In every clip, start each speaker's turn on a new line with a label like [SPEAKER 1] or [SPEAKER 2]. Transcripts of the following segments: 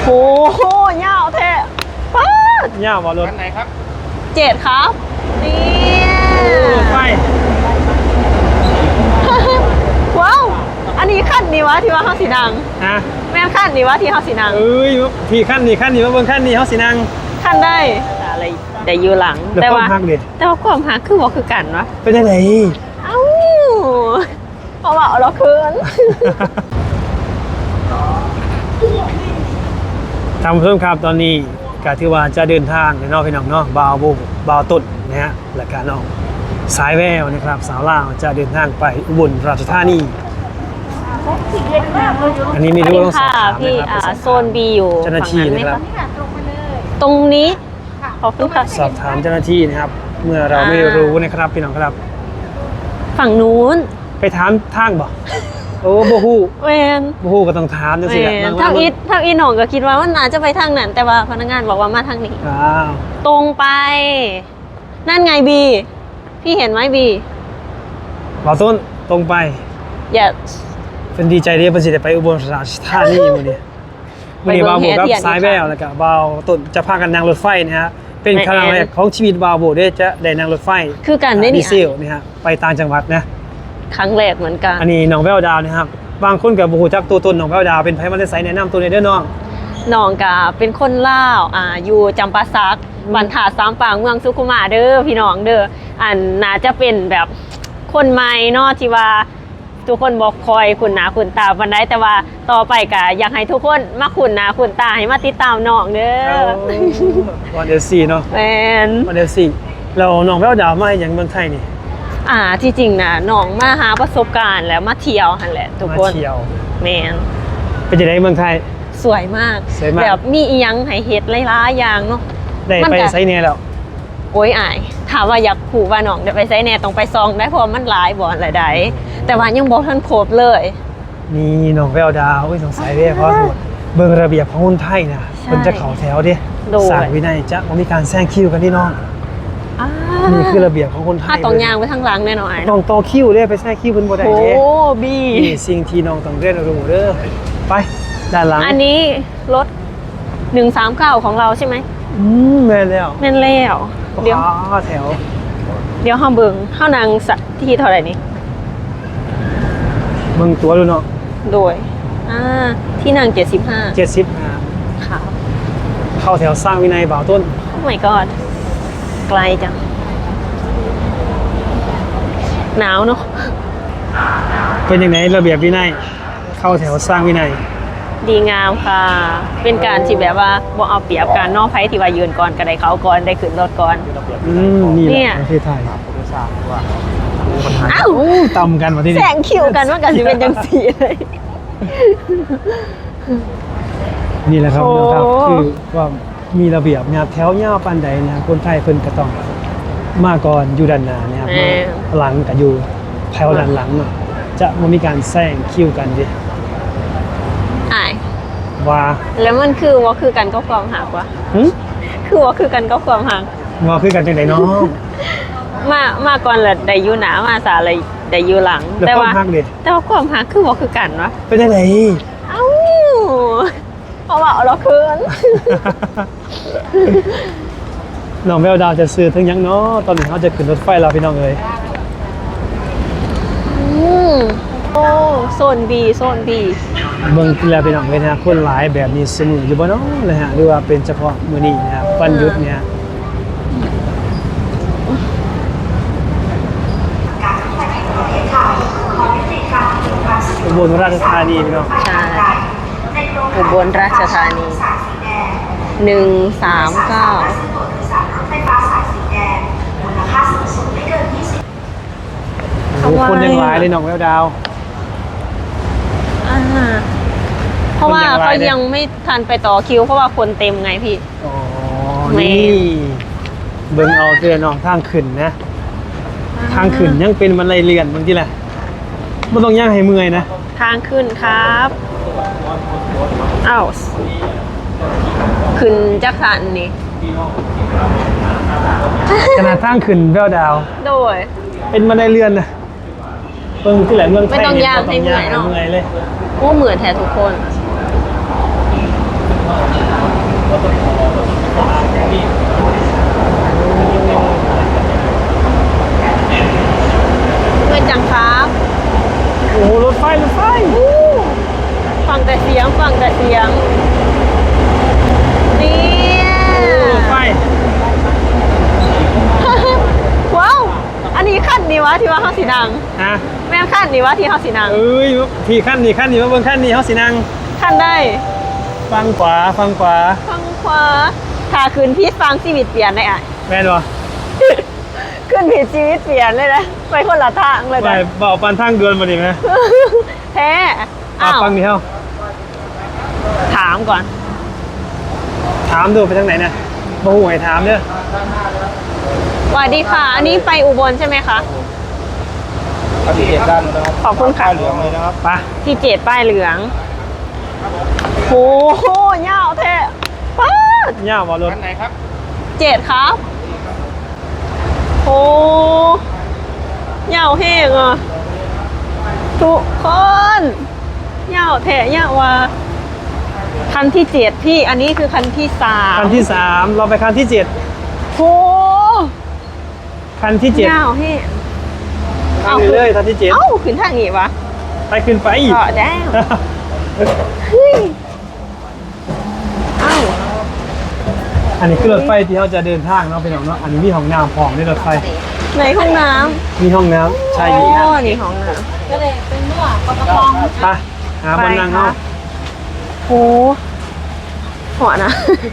[SPEAKER 1] โอ้โหยาวแท้ป๊าด
[SPEAKER 2] ยาวบ่รถ
[SPEAKER 3] คันไหนครับ
[SPEAKER 1] 7ครับนี่
[SPEAKER 2] ไฟ
[SPEAKER 1] ว้าวอันนี้ขั้นนี้วะที่ว่าเฮาสีนัง
[SPEAKER 2] ฮะ
[SPEAKER 1] แม่นขั้นนี้วะที่เฮาสีนัง
[SPEAKER 2] เอ้ยพี่ขั้นนี่มาเบิ่งขั้นนี่เฮาสินั่ง
[SPEAKER 1] ขั้นได้อะไรได้อยู่หลัง
[SPEAKER 2] แล้ว
[SPEAKER 1] แต่
[SPEAKER 2] ความ
[SPEAKER 1] ว่า
[SPEAKER 2] ฮักดิ
[SPEAKER 1] แต่ว่าความหักคือบ่คือกันวะ
[SPEAKER 2] เป็นจังได๋
[SPEAKER 1] เอ้าเพราะว่าเอาเราคืน
[SPEAKER 2] ทำเพิ่มครับตอนนี้ก็ถือว่าจะเดินทางไปนอกพี่น้องเนาะบ่าวบุบ่าวต้นนะฮะและก็น้องสายแววนะครับสาวลาวจะเดินทางไปอุบลราชธานีอันนี้นี่รู้ต้องสอบถาม
[SPEAKER 1] พี่
[SPEAKER 2] นะครับ
[SPEAKER 1] โซน B อยู่
[SPEAKER 2] เจ้าหน้าที่นะครับ
[SPEAKER 1] ตรงนี้ขอบคุณค่ะ
[SPEAKER 2] สอบถามเจ้าหน้าที่นะครับ เมื่อเราไม่รู้นะครับพี่น้องครับ
[SPEAKER 1] ฝั่งนู้น
[SPEAKER 2] ไปถามทางบ่โอ้บ่ฮู้
[SPEAKER 1] เวน
[SPEAKER 2] บ่ฮู้ก็ต้องถามจังซี่แหละบาง
[SPEAKER 1] ทางอีหนองก็คิดว่ามันอาจจะไปทางนั้น แต่ว่าพนักงานบอกว่ามาทางนี้
[SPEAKER 2] อ้าว
[SPEAKER 1] ตรงไป นั่นไงบีพี่เห็นไหมบี
[SPEAKER 2] บ่าวต้นตรงไป
[SPEAKER 1] อย่า
[SPEAKER 2] เพิ่นดีใจเด้เพิ่นสิได้ไปอุบลราชธานีมื้อนี้มื้อนี้บ่าวโบกับสายแววแล้วก็บ่าวต้นจะพากันนั่งรถไฟนะฮะเป็นครั้งแรกของชีวิตบ่าวโบได้จะได้นั่งรถไฟ
[SPEAKER 1] คือกันได้
[SPEAKER 2] ดี
[SPEAKER 1] นี่
[SPEAKER 2] เซลนี่ฮะไปต่างจังหวัดนะ
[SPEAKER 1] ครั้งแรกเหมือนกัน
[SPEAKER 2] อันนี้น้องแววดาวนะครับบางคนก็บ่ฮู้จักตัวตนน้องแววดาวเป็นไผมาได้ไสแนะนำตัวนี้เด้อน้อง
[SPEAKER 1] น้องกาเป็นคนลาวอยู่จำปาสักบันถาดสามปางเมืองสุขุมวิทเด้อพี่น้องเด้ออันน่าจะเป็นแบบคนใหม่เนาะที่ว่าทุกคนบอกคอยคุณหนาคุณตาบันไดแต่ว่าต่อไปก็อยากให้ทุกคนมาคุณหนาคุณตาให้มาติดตามน้องเด้อ
[SPEAKER 2] วันเดือน4เนาะ
[SPEAKER 1] แมน
[SPEAKER 2] วันเดือน4แล้วน้องแววดาวมาอย่างเมืองไทยนี่
[SPEAKER 1] ที่จริงนะน้องมาหาประสบการณ์แล้วมาเที่ยวหันแหละทุก
[SPEAKER 2] มา
[SPEAKER 1] คน
[SPEAKER 2] เที่ยว
[SPEAKER 1] แมน
[SPEAKER 2] เป็นจังได๋เมืองไทย
[SPEAKER 1] สวยมาก
[SPEAKER 2] สวยมาก
[SPEAKER 1] แบบมีอีหยังให้เฮ็ดหลายๆอย่างเนาะ
[SPEAKER 2] ได้
[SPEAKER 1] มัน
[SPEAKER 2] ไป
[SPEAKER 1] ก็
[SPEAKER 2] ไสแน่แล้ว
[SPEAKER 1] โอ้ยอายถามว่าอยากขู่ว่าน้องเดี๋ยวไปไซแน่ต้องไปซองได้เพราะว่ามันหลายบ่อนหลายใดแต่ว่ายังบอกท่านครบเลย
[SPEAKER 2] นี่น้องแววดาวโอ้ยสงสัยเด้เพราะเบิ่งระเบียบของคนไทยนะ
[SPEAKER 1] ใช่
[SPEAKER 2] เพิ่นจะเข้าแถวเด้
[SPEAKER 1] โดย
[SPEAKER 2] สร้างวินัยจะบ่มีการแซงคิวกันนี่น้อง
[SPEAKER 1] อ่า
[SPEAKER 2] นี่คือระเบียบของคนไทย
[SPEAKER 1] ถ้าต้องย่างไปทางหลังแน่นอน
[SPEAKER 2] น้องต่อคิวเด้ไปแซงคิวเพิ่นบ่ได้
[SPEAKER 1] โอ้
[SPEAKER 2] เด้
[SPEAKER 1] บี
[SPEAKER 2] นี่สิ่งที่น้องต้องเรียนรู้เด้อไปด้านหลัง
[SPEAKER 1] อันนี้รถ139ของเราใช่ไหม
[SPEAKER 2] แม่นแล้ว
[SPEAKER 1] แม่นแล้วเดี๋ยว
[SPEAKER 2] อ๋อแถว
[SPEAKER 1] เดี๋ยวเฮาเบิ่งเฮานางสักที่เท่าไหร่นี่
[SPEAKER 2] เบิ่งตัวดูเนาะ
[SPEAKER 1] โดยที่นาง75
[SPEAKER 2] 75
[SPEAKER 1] ค่ะ
[SPEAKER 2] เข้าแถวสร้างวินัยบ่าวต้น
[SPEAKER 1] โอ้ my god ไกลจังหนาวเนาะ
[SPEAKER 2] เป็นยังไงระเบียบวินัยเข้าแถวสร้างวินัย
[SPEAKER 1] ดีงามค่ะ เป็นการที่แบบว่าบ่เอาเปรียบการนอกไผที่ว่ายืนก่อนก็ได้เขาก่อนได้ขึ้นรถก่อน
[SPEAKER 2] นี่แห
[SPEAKER 1] เนี่
[SPEAKER 2] ละ
[SPEAKER 1] ย
[SPEAKER 2] ประเทศไทย
[SPEAKER 1] อ้าว
[SPEAKER 2] ต่ำกันมาที่
[SPEAKER 1] แส
[SPEAKER 2] นี่
[SPEAKER 1] งคิวกันว่ากันสิเป็นจังสีเลย
[SPEAKER 2] นี่แหละครับ
[SPEAKER 1] โอ้
[SPEAKER 2] นะครับคือว่ามีระเบียบนะครับแถวยาวปานใดนะครับคนไทยเพิ่นก็ต้องมาก่อนอยู่ด้านหน้านะครับมาหลังก็อยู่แถวด้านหลังเนาะจะบ่มีการแซงคิวกันดิ
[SPEAKER 1] อ้าย
[SPEAKER 2] ว่า
[SPEAKER 1] แล้วมันคือว่าคือกันก็ความหักวะ
[SPEAKER 2] หึ
[SPEAKER 1] คือว่าคือกันก็ความหัก
[SPEAKER 2] ว่าคือกันจังได๋เนาะ
[SPEAKER 1] มาก่อนละได้อยู่หนามาสาอะไรได้อยู่หลัง
[SPEAKER 2] แล้ว
[SPEAKER 1] แต่
[SPEAKER 2] ควา
[SPEAKER 1] ว่าม
[SPEAKER 2] ฮักเด้
[SPEAKER 1] แต่ว่าความหักคือว่าคือกันวะ
[SPEAKER 2] เป็นจังได๋
[SPEAKER 1] เอ้าเพราะว่าเอาเราคืน
[SPEAKER 2] น้องแววดาวจะซื้อถึงหยังเนาะตอนนี้เขาจะขึ้นรถไฟแล้วพี่น้องเอ้ย
[SPEAKER 1] โอ้โซน B โซน B
[SPEAKER 2] เบิ่งแล้วพี่น้องเอ้ยนะคนหลายแบบนี้เสมออยู่บ่เนาะนะฮะหรือว่าเป็นเฉพาะมื้อนี้นะครับวันหยุดเนี่ยอุบลราชธานีพี่น้อง
[SPEAKER 1] ใช่อุบลราชธานี139
[SPEAKER 2] โอ้โหคนยังหลายเลยน้องแววดาว
[SPEAKER 1] เพราะว่า
[SPEAKER 2] คนยังหลา
[SPEAKER 1] เขา
[SPEAKER 2] ยเนี่ย
[SPEAKER 1] ยังไม่ทันไปต่อคิวเพราะว่าคนเต็มไงพี่
[SPEAKER 2] อ๋อ
[SPEAKER 1] แม่
[SPEAKER 2] นี่เบิ่งเอาเตือนน้องทางขึ้นนะ ทางขึ้นยังเป็นบันไดเลื่อนบางทีแหละไม่ต้องย่างให้เมื่อยนะ
[SPEAKER 1] ทางขึ้นครับอ้าวขึ้นจักสันนี่
[SPEAKER 2] ขนาดทางขึ้นแววดาว
[SPEAKER 1] โดย
[SPEAKER 2] เป็นบันไดเลื่อนนะเบิ่งที่แหละเมืองไทย
[SPEAKER 1] ไม่ต้องย่างให้เมื่อย
[SPEAKER 2] ให้
[SPEAKER 1] เนาะ
[SPEAKER 2] เมื่อยเลย
[SPEAKER 1] โอ้เหมือนแท้ทุกคนแต่เสียงนี่
[SPEAKER 2] ไฟ
[SPEAKER 1] ว้าวอันนี้ขั้นนี้วะที่ว่าเฮาสินัง
[SPEAKER 2] ฮะ
[SPEAKER 1] แม่นขั้นนี้วะที่เฮาสินัง
[SPEAKER 2] เอ้ยพี่ขั้นนี้มาเบิ่งขั้นนี้เฮาสินั่ง
[SPEAKER 1] ขั้นได้
[SPEAKER 2] ฟังขวา
[SPEAKER 1] ฟังขวาถ้าคืนพี่ฟังชีวิตเปลี่ยนได้อ่ะ
[SPEAKER 2] แม่นบ่
[SPEAKER 1] ขึ้นผิดชีวิตเปลี่ยนเลยนะไปคนละทางเลย
[SPEAKER 2] ไป
[SPEAKER 1] นะ
[SPEAKER 2] บ่ปันทางเดือนบ่ดีไหม
[SPEAKER 1] แท้อ้าว
[SPEAKER 2] ฟังนี่เฮา
[SPEAKER 1] ถามก่อน
[SPEAKER 2] ถามดูไปทางไหนเนี่ยบ่ฮู้ให้ถามเด้อ
[SPEAKER 1] สวัสดีค่ะ อันนี้ไปอุบลใช่ไหมคะ
[SPEAKER 3] ปฏิเสธด้านนะครับ
[SPEAKER 1] ขอบคุณค่ะ
[SPEAKER 3] เหลืองเลยนะครับ
[SPEAKER 2] ไป
[SPEAKER 1] ที่เจ็ดป้ายเหลืองโหยาวแท้ป๊าด
[SPEAKER 2] ย่าบ่รถ
[SPEAKER 3] ด้านไหนครับ
[SPEAKER 1] เจ็ดครับโหยาวแห้งอ่ะทุกคนยาวแท้ยาวว่ะคันที่เจ็ดพี่ อันนี้คือคันที่สาม
[SPEAKER 2] คันที่ 3 เราไปคันที่ 7
[SPEAKER 1] โห
[SPEAKER 2] คันที่ 7
[SPEAKER 1] ยาวแห้ง
[SPEAKER 2] ทางนี้เลยคันที่
[SPEAKER 1] เอ้าขึ้นทางนี้วะ
[SPEAKER 2] 7 ไปขึ้นไป
[SPEAKER 1] ก็ได้เฮ้ยเอ้า
[SPEAKER 2] อันนี้คือรถไฟที่เขาจะเดินทางเนาะพี่น้องเนาะอันนี้มีห้องน้ำพร้อมในรถไฟ
[SPEAKER 1] ในห้องน้
[SPEAKER 2] มีห้องน้ำ
[SPEAKER 1] ำ
[SPEAKER 2] ใช่
[SPEAKER 1] โอ้
[SPEAKER 2] มีนะ
[SPEAKER 1] นี่ห้องน้
[SPEAKER 4] ก็เลยเป็นนวดกระปอง
[SPEAKER 2] ไปหา
[SPEAKER 1] ำ
[SPEAKER 2] บนนั่งเนาะ
[SPEAKER 1] โหหัวนะ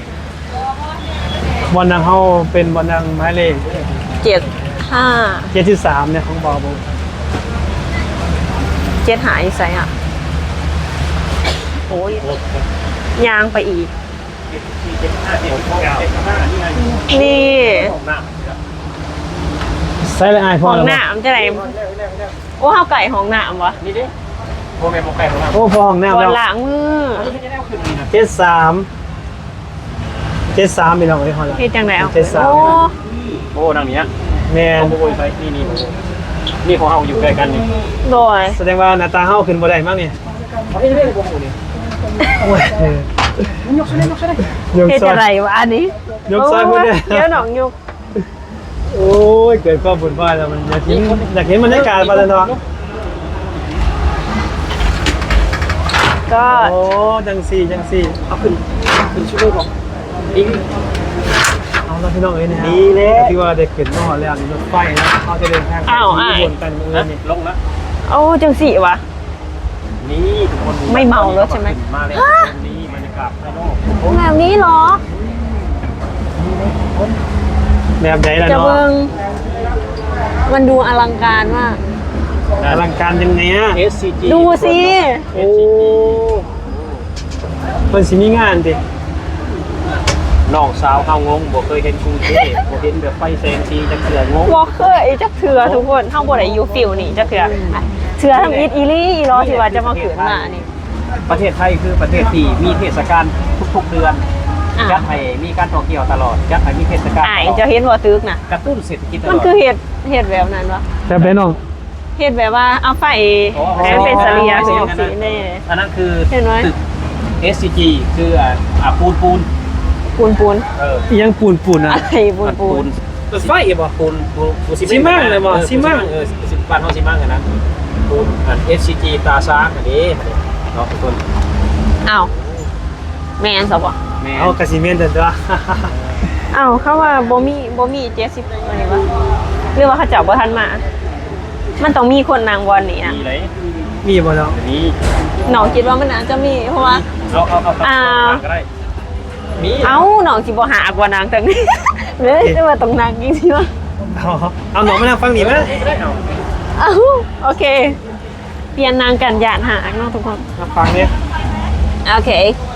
[SPEAKER 2] บนนั่งเขาเป็นบนนั่งหมายเลข
[SPEAKER 1] 75
[SPEAKER 2] 73เนี่ยของบอบู
[SPEAKER 1] หายใส่อ่ะโอ้ยยางไปอีก นี่
[SPEAKER 2] ใส่เลยไอพ
[SPEAKER 1] ห้
[SPEAKER 2] อ
[SPEAKER 1] อง
[SPEAKER 2] แล้ว
[SPEAKER 1] น้ำจะไหนโอ้ข้าวไก่ห้องน้ำวะ
[SPEAKER 3] นี่ดิโมเมนต์โมไก่ของเรา
[SPEAKER 2] โอ้พอห้อง
[SPEAKER 1] บ
[SPEAKER 2] น้ำ
[SPEAKER 1] น
[SPEAKER 2] แล้ว
[SPEAKER 1] หลังมือ
[SPEAKER 2] 73พี่น้องเอ้ยฮอลล์
[SPEAKER 1] พี่จังไหนเอา
[SPEAKER 2] 73
[SPEAKER 1] โอ้
[SPEAKER 3] โอ้นั่งเนี้ย
[SPEAKER 2] แมน
[SPEAKER 3] โอ้ยไปนี่นี่ของเราอยู่ใกล้กันนี่
[SPEAKER 1] โดย
[SPEAKER 2] แสดงว่าหน้าตาเฮาขึ้นบ่ได้มั้งเนี่ย
[SPEAKER 3] นี่นี่ผมอยู่นี่
[SPEAKER 2] โอ้ยเออย
[SPEAKER 3] กใช่ไหมยกใช่ไหม
[SPEAKER 2] ยก
[SPEAKER 1] เฮ็ด
[SPEAKER 2] ซอ
[SPEAKER 1] อะไร
[SPEAKER 2] ยว
[SPEAKER 1] ะอันนี้
[SPEAKER 2] ยกซ้ายพูดเนี่ย
[SPEAKER 1] เดี๋ยวหนองยก
[SPEAKER 2] โอ้ยเกิดความบุญพลาดแล้วมันอยากเห็นบรรยากาศบาลานซ์
[SPEAKER 1] ก็
[SPEAKER 2] โอ้จังสี่
[SPEAKER 3] เอาขึ้นช่วยบอกอีก
[SPEAKER 2] เอาละพี่น้องเอ้ยนะฮะ
[SPEAKER 3] ดีเลย
[SPEAKER 2] ที่ว่าเด็กเกิดมาหอดแล้วนี่รถไฟนะเขาจะเดินทางไปที่อุบลกันเมื่อนี่
[SPEAKER 3] ลงแล้ว
[SPEAKER 1] โอ้จังสี่วะ
[SPEAKER 3] นี่ทุกคน
[SPEAKER 1] ไม่เมารถใช่ไหม
[SPEAKER 3] มาเลยนี่บรรยากาศภายนอก
[SPEAKER 1] แบบนี้เหรอ
[SPEAKER 2] แบบไหนล่ะ
[SPEAKER 1] จะ
[SPEAKER 2] เนาะ
[SPEAKER 1] เบิงมันดูอลังการมาก
[SPEAKER 2] อลังการยังไงอ่ะ
[SPEAKER 3] SCG
[SPEAKER 1] ดูสิ
[SPEAKER 2] โอ้มันสิมีงานดิ
[SPEAKER 3] น้องสาวเขางงบ่เคยเห็นกรุงเทพบ่เห็นแบบไฟแสงสีจักเสืองง
[SPEAKER 1] วอลเคอร์ไอ้จักเถือทุกคนข้างบนไอ้ยูฟิลนี่จักเถือเถือทำอีลี่อีล้อที่ว่าจะมาขืนมานี่
[SPEAKER 3] ประเทศไทยคือประเทศที่มีเทศกาลทุกๆเดือน
[SPEAKER 1] อ่ะ
[SPEAKER 3] จัดให้มีการท่องเที่ยวตลอดจัดให้มีเทศกาล
[SPEAKER 1] อ่ายจะเห็นว่าตึกนะ
[SPEAKER 3] กระตุ้นเศรษฐกิจตลอด
[SPEAKER 1] มันคือเหตุแบบนั้นวะ
[SPEAKER 2] แบบไหนน้อง
[SPEAKER 1] เหตุแบบว่าเอาไฟ
[SPEAKER 3] อ๋อ
[SPEAKER 1] ให้มันเป็นสลียคือสีแน่
[SPEAKER 3] อันนั้นคือ
[SPEAKER 1] เห็นไหม
[SPEAKER 3] ตึก SCG คือปูน
[SPEAKER 1] ปูน
[SPEAKER 3] เออ
[SPEAKER 2] อีหยังปูนอ่ะ
[SPEAKER 1] อะไรปูน
[SPEAKER 3] รถไฟบ่ปูน
[SPEAKER 2] ซีมั่งเลยบ่ซีมั่ง
[SPEAKER 3] เออบ้านเฮาซีมั่งอันนั้นปูนอัน SCG ตาช้างอันนี้เนาะทุกคน
[SPEAKER 1] อ้าวแมนสบอ่ะ
[SPEAKER 3] แม่
[SPEAKER 2] เอากระสีเมนเด้อ
[SPEAKER 1] อ้าวเขาว่าบ่มี70อะไรวะหรือว่าเขาเจับบ่ทันมา มันต้องมีคนนางบอลนี่นะ
[SPEAKER 3] มีไหน
[SPEAKER 2] มีบ่เนาะ
[SPEAKER 3] อันนี้
[SPEAKER 1] หนองคิดว่ามันน่าจะมีเพราะว่า
[SPEAKER 3] เอาก็ได้มี
[SPEAKER 1] เอ้าหนองสิบ่หากว่านางแต่นี้ เลยจะว่าต้องนางจริงๆวะ
[SPEAKER 2] เอาหนอมานั่งฟังนี่มั้ย
[SPEAKER 3] ได้เอา
[SPEAKER 1] เอ้าโอเค เปลี่ยนนางกันหยาดหากเนาะทุกคน
[SPEAKER 2] มาฟังเนี่ย
[SPEAKER 1] โอเค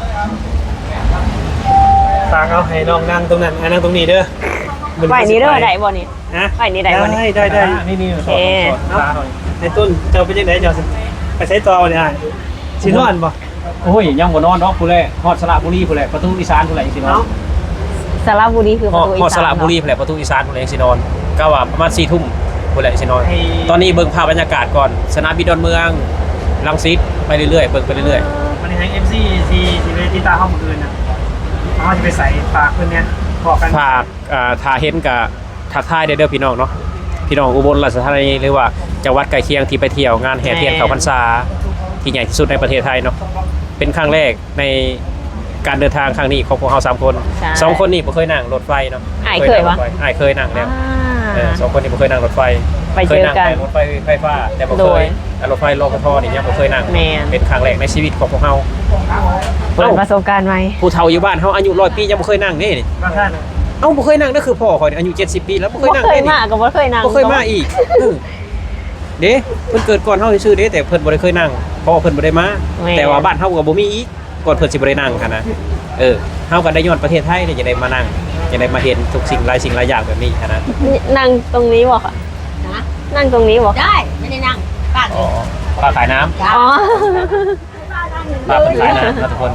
[SPEAKER 2] ฝากเอาให้น้องนั่งตรงนั้นนั่งตรงนี้เด้อ
[SPEAKER 1] ไหวนี้เด้อได้บ่นี่
[SPEAKER 2] ฮะ
[SPEAKER 1] ไหวนี้ได้บ่นี่
[SPEAKER 2] ได้
[SPEAKER 3] นี่
[SPEAKER 1] โอเค
[SPEAKER 3] สอนหน่อย
[SPEAKER 2] ไอ้ต้นเจ้าเป็นยังไงเจ้าไปใช้ต่อเนี่ยสินอนบ่
[SPEAKER 3] โอ้ยยังบ่นอนเนาะผู้แลฮอดสระบุรีผู้แลประตูอีสานผู้แลสิเนาะ
[SPEAKER 1] สระบุรีคือประตูอี
[SPEAKER 3] ฮอด
[SPEAKER 1] สาน
[SPEAKER 3] สระบุรีผู้แลประตูอีสานผู้แลสินอนก็ว่าประมาณ4 ทุ่มผู้แลสินอนตอนนี้เบิ่งภาพบรรยากาศก่อนสนามบินดอนเมืองรังสิตไปเรื่อยๆเบิ่งไปเรื่อย
[SPEAKER 2] วันนี้ให้ FC ที่ไปที่ตาห้องมื้ออื่นน่ะเขาจะไปใส่ฝากเพิ่นเนี่ยบอกกัน
[SPEAKER 3] ๆฝากถ้าเห็นก็ทักทายเด้อพี่น้องเนาะพี่น้องอุบลราชธานีหรือว่าจังหวัดใกล้เคียงที่ไปเที่ยวงานแห่เทียนเขาพรรษาที่ใหญ่ที่สุดในประเทศไทยเนาะเป็นครั้งแรกในการเดินทางครั้งนี้ของพวกเรา3คน
[SPEAKER 1] ใช่
[SPEAKER 3] 2คนนี่บ่เคยนั่งรถไฟเนาะ
[SPEAKER 1] อ้ายเคยวะ
[SPEAKER 3] อ้ายเคยนั่งแล้ว
[SPEAKER 1] อ่า
[SPEAKER 3] สองคนนี้บ่เคยนั่งรถไฟ
[SPEAKER 1] ไปเจอกัน
[SPEAKER 3] เคยนั่งแต่รถไฟฟ้าแต่บ่
[SPEAKER 1] โด
[SPEAKER 3] เค
[SPEAKER 1] ย
[SPEAKER 3] ยรถไฟรพทนี่ยังบ่เคยนั่ง
[SPEAKER 1] แม่น
[SPEAKER 3] เป็นครั้งแรกในชีวิตของพวกเรา
[SPEAKER 1] เปิดประสบการณ์ใหม่
[SPEAKER 3] ผู้เฒ่าอยู่บ้านเฮาอายุ100 ปียังบ่เคยนั่งนี่
[SPEAKER 2] บางท่าน
[SPEAKER 3] เอ้าบ่เคยนั่งนั่นคือพ่อข่อยนี่อายุ70 ปีแล้วบ่เคย
[SPEAKER 1] บ่
[SPEAKER 3] นั่ง
[SPEAKER 1] เคย
[SPEAKER 3] นี่
[SPEAKER 1] มาก็บ่เคยนั่ง
[SPEAKER 3] บ่เคยมาอีกเด้เพิ่นเกิดก่อนเฮาซื่อๆเด้แต่เพิ่นบ่ได้เคยนั่งเพราะว่าเพิ่นบ่ได้มาแต่ว่าบ้านเฮาก็บ่มีอีกก่อนเพิ่นสิบ่ได้นั่งหันนะเฮาก็ได้ย้อนประเทศไทยเนี่ยจะได้มานั่งจะได้มาเห็นทุกสิ่งหลายสิ่งหลายอย่างแบบนี้หันนะ
[SPEAKER 1] นั่งตรงนี้บ่ค่ะ
[SPEAKER 4] นะ
[SPEAKER 1] นั่งตรงนี้บ่
[SPEAKER 4] ได้ไม่ได้นั่งป้า
[SPEAKER 3] อ๋อป้าขายน้ำ
[SPEAKER 1] อ๋อ
[SPEAKER 3] ป้าเพิ่นขายน้ำนะทุกคน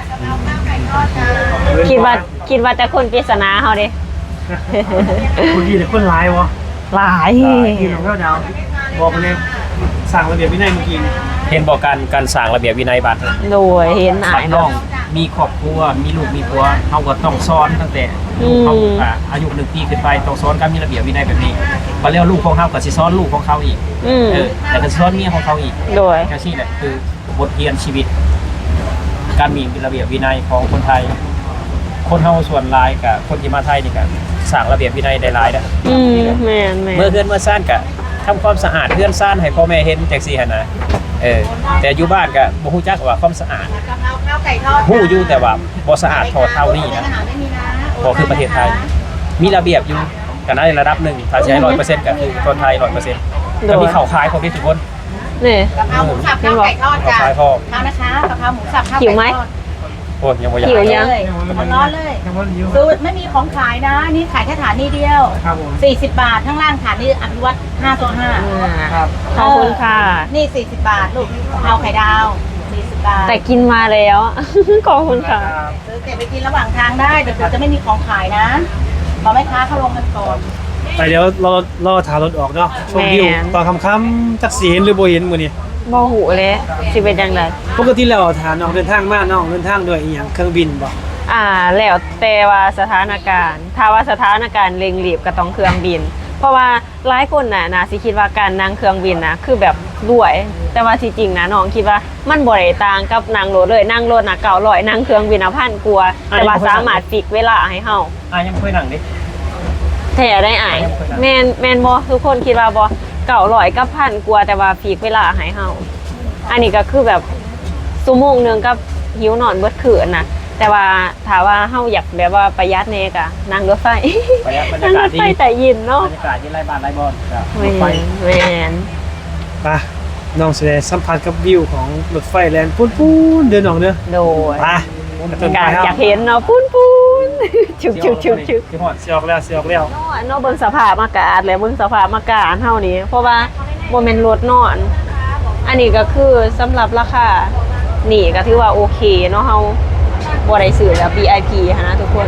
[SPEAKER 1] คิดว่าแต่คนปริศนาเฮาเด้
[SPEAKER 2] คุณดีแต่คนร้ายวะ
[SPEAKER 1] หลาย
[SPEAKER 2] ที่น้องดาวบอกมาเลยสั่งระเบียบวินัยเมื่อกี้
[SPEAKER 3] เห็นบอกการสร้างระเบียบวินัยบ้าน
[SPEAKER 1] โดยเห็นอา
[SPEAKER 3] บั
[SPEAKER 1] ย
[SPEAKER 3] ด
[SPEAKER 1] แบ
[SPEAKER 3] น้อบ งมีครอบครัวมีลูกมีผัวเฮาก็ต้องสอนตั้งแต่ลูกเขาอายุ1 ปีขึ้นไปต้องสอนการมีระเบียบวินัยแบบนี้บัดแล้วลูกของเฮาก็สิสอนลูกของเขาอีก
[SPEAKER 1] อืม
[SPEAKER 3] แต่ก็สิสอนเมียของเขาอีก
[SPEAKER 1] โดย
[SPEAKER 3] แค่นี้แหละคือบทเรียนชีวิต การมีระเบียบวินัยของคนไทย คนเฮาส่วนหลายกับคนที่มาไทยนี่ก็สร้างระเบียบวินัยได้หลายนะ
[SPEAKER 1] อืมแม่น
[SPEAKER 3] เมื่อเฮือนเมื่อซ่านก็ทำความสะอาดเฮือนซ่านให้พ่อแม่เห็นจังซี่หั่นนะแต่อยู่บ้านก็บ่ฮู้จักว่าความสะอาด
[SPEAKER 4] กะเพราข้าวไก่ทอด
[SPEAKER 3] ฮู้อยู่แต่ว่าบ่สะอาดเท่านี้นะ
[SPEAKER 4] ไม่มีนะ
[SPEAKER 3] บ่คือประเทศไทย มีระเบียบอยู่กันในระดับหนึ่งถ้าสิให้ 100%ก็คือคนไทย 100%ก็มีข้าวขายพร้อมทุกคน
[SPEAKER 1] นี่
[SPEAKER 4] กะเพราหมูสับข้าวไก่ทอดจ้ะ
[SPEAKER 3] ข้าวขายพร้อม
[SPEAKER 4] ข้าวนะคะกะเพราหมูสับข้าว
[SPEAKER 1] หิ
[SPEAKER 4] ไก่
[SPEAKER 1] วไหม
[SPEAKER 4] ทอด
[SPEAKER 3] โอ้ยยังบ่อยาก
[SPEAKER 1] หิวยัง
[SPEAKER 4] เลยร้อนๆเลย
[SPEAKER 2] ยังว่าอยู่
[SPEAKER 4] สูตรไม่มีของขายนะ นี่ขายแค่ฐานนี้เดียว
[SPEAKER 2] ครับผม
[SPEAKER 4] 40 บาทข้างล่างฐานนี้อภิวัต5ตัว5
[SPEAKER 2] ครับ
[SPEAKER 1] ขอบคุณค่ะ
[SPEAKER 4] นี่40 บาทลูกกะเพราไข่ดาว40 บาท
[SPEAKER 1] แต่กินมาแล้ว ขอบคุณค่ะ
[SPEAKER 4] ซื้อเก็บไปกินระหว่างทางได้เดี๋ยวจะไม่มีของขายนะรอแม่ค้าเขาลงกันก่อน
[SPEAKER 2] ไปเดี๋ยวเราถารถออกเนาะชมวิว
[SPEAKER 1] แม่น
[SPEAKER 2] ตอนค่ำๆจักสีเห็นหรือบ่เห็นมื้อนี้
[SPEAKER 1] บ่หูเลยสิเป็นจังได
[SPEAKER 2] ปกติแล้วถามน้องเดินทางมาน้องเดินทางด้วยอีหยังเครื่องบินบ่
[SPEAKER 1] แล้วแต่ว่าสถานการณ์ถ้าว่าสถานการณ์เร่งรีบก็ต้องเครื่องบิน เพราะว่าหลายคนน่ะสิคิดว่าการนั่งเครื่องบินนะคือแบบด้วย แต่ว่าที่จริงนะน้องคิดว่ามันบ่ได้ต่างกับนั่งรถเลยนั่งรถน่ะ900นั่งเครื่องบินพันกว่าแต่ว่าสามารถฟิกเวลาให้เฮา
[SPEAKER 3] ยังบ่เคยนั่งดิ
[SPEAKER 1] แท้ได้อายแม่นบ่ทุกคนคิดว่าบ่900กับพันกว่าแต่ว่าฟิกเวลาให้เฮาอันนี้ก็คือแบบชั่วโมงนึงกับหิวนอนเบิดคืนน่ะแต่ว่าถ้าว่าเฮาอยากแบบว่าประหยัดแน่ก็นั่งรถไฟ
[SPEAKER 3] ประหยัดบรร
[SPEAKER 1] นั่
[SPEAKER 3] ยาง การ
[SPEAKER 1] ร
[SPEAKER 3] ศ
[SPEAKER 1] ถ
[SPEAKER 3] ดี
[SPEAKER 1] ไฟแต่ยินเนาะ
[SPEAKER 3] บรรยากาศที่ไร่บ้านไร่บอนครับร
[SPEAKER 1] แม่
[SPEAKER 3] ถไฟ
[SPEAKER 1] นแม่น
[SPEAKER 2] ไปน้องสิได้สัมผัสกับวิวของรถไฟแล่นปูนๆเดินน้องเด้อ
[SPEAKER 1] โดย
[SPEAKER 2] ไปต้น
[SPEAKER 1] กา
[SPEAKER 2] ไป
[SPEAKER 1] ร
[SPEAKER 2] เฮา
[SPEAKER 1] อยากเห็นเนาะปุ้นๆชึก
[SPEAKER 3] ที่ฮอด
[SPEAKER 2] สิออกแล้วสิออกแล้ว
[SPEAKER 1] เนาะเบิ่งสภาพอากาศแล้วเบิ่งสภาพอากาศเฮานี่เพราะว่าบ่แม่นรถนอน อันนี้ก็คือสำหรับราคานี่ก็ถือว่าโอเคเนาะเฮาบ่ได้ซื้อแบบ VIP หั้นนะทุกคน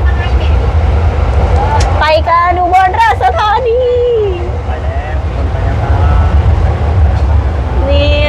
[SPEAKER 1] ไปกันดูบนราชธานี
[SPEAKER 3] ไปแล้วคนไปแล้วครับ
[SPEAKER 1] เนี่ย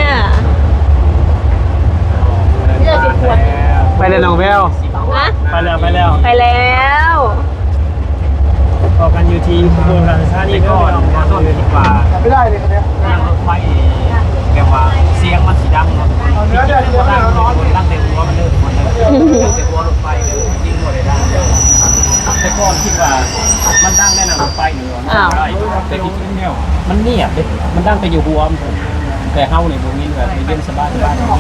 [SPEAKER 4] เลือกเป็นขวด
[SPEAKER 2] ไปเลยน้องแวว
[SPEAKER 1] นะ
[SPEAKER 2] ไปแล้วไปแล้ว
[SPEAKER 1] ไปแล้ว
[SPEAKER 2] ออกกันอยู่ที่ขบวนการชาติ
[SPEAKER 3] นี่
[SPEAKER 2] นี่
[SPEAKER 3] ก็
[SPEAKER 2] ก็
[SPEAKER 3] ขอโทษเลยดีกว่า
[SPEAKER 2] ไม่ได้เลยครับเนี่ย
[SPEAKER 3] นั่งรถไฟแบบว่าเสียงมันสีดังเนาะที่จริงแล้วมันดังเต็มหัวมันเลยมันเลยเต็มหัวรถไฟเลยยิ่งกว่าเลยดังแต่ก่อนคิดว่ามันดังแน่นอนรถไฟหนึ่งแต่ที่จริงเนี่ยมันเงียบเลยมันดังไปอยู่หัวมันแต่เฮาเนี่ยบ่มีแบบเย็นสบาย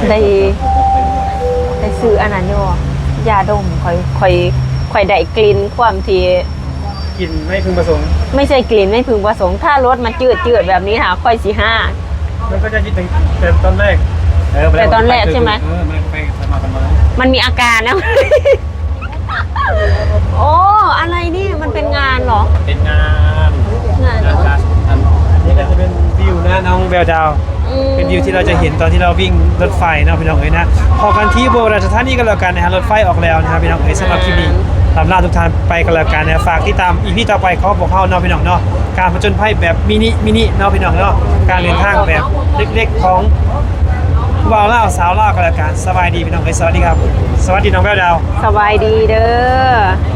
[SPEAKER 1] ได้ซื้ออันนั้นอยู่ยาดมค่อยได้กลิ่นความที่
[SPEAKER 2] กินไม่พึงประสงค์
[SPEAKER 1] ไม่ใช่กลิ่นไม่พึงประสงค์ถ้ารสมันจืดแบบนี้ค่ะค่อยสิห้า
[SPEAKER 2] มันก็จะยึดแต่ตอนแรก
[SPEAKER 1] แต่ตอนแรกใช่ไหม
[SPEAKER 3] มันไปมากันมา
[SPEAKER 1] มันมีอาการนะ โอ้อะไรนี่มันเป็นงานเหรอ
[SPEAKER 3] เป็นงาน
[SPEAKER 1] งานเหรอ
[SPEAKER 2] นี่ก็จะเป็นวิวนะน้องแววดาว
[SPEAKER 1] อืม
[SPEAKER 2] เป็นวิวที่เราจะเห็นตอนที่เราวิ่งรถไฟเนาะพี่น้องเอ๋ยนะพอกันที่โบราณสถานีกันแล้วกันนะฮะรถไฟออกแล้วนะครับพี่น้องเอ๋ยสำหรับคลิปนี้ลำลาทุกท่านไปกันแล้วกันนะฝากติดตามอีพีต่อไปของพวกเขาเนาะพี่น้องเนาะการผจญภัยแบบมินิเนาะพี่น้องเนาะการเดินทางแบบเล็กๆของบ่าวเล่าวสาวเล่าวกันแล้วกันสบายดีพี่น้องเอ๋ยสวัสดีครับ สวัสดีน้องแววดาว
[SPEAKER 1] สบายดีเด้อ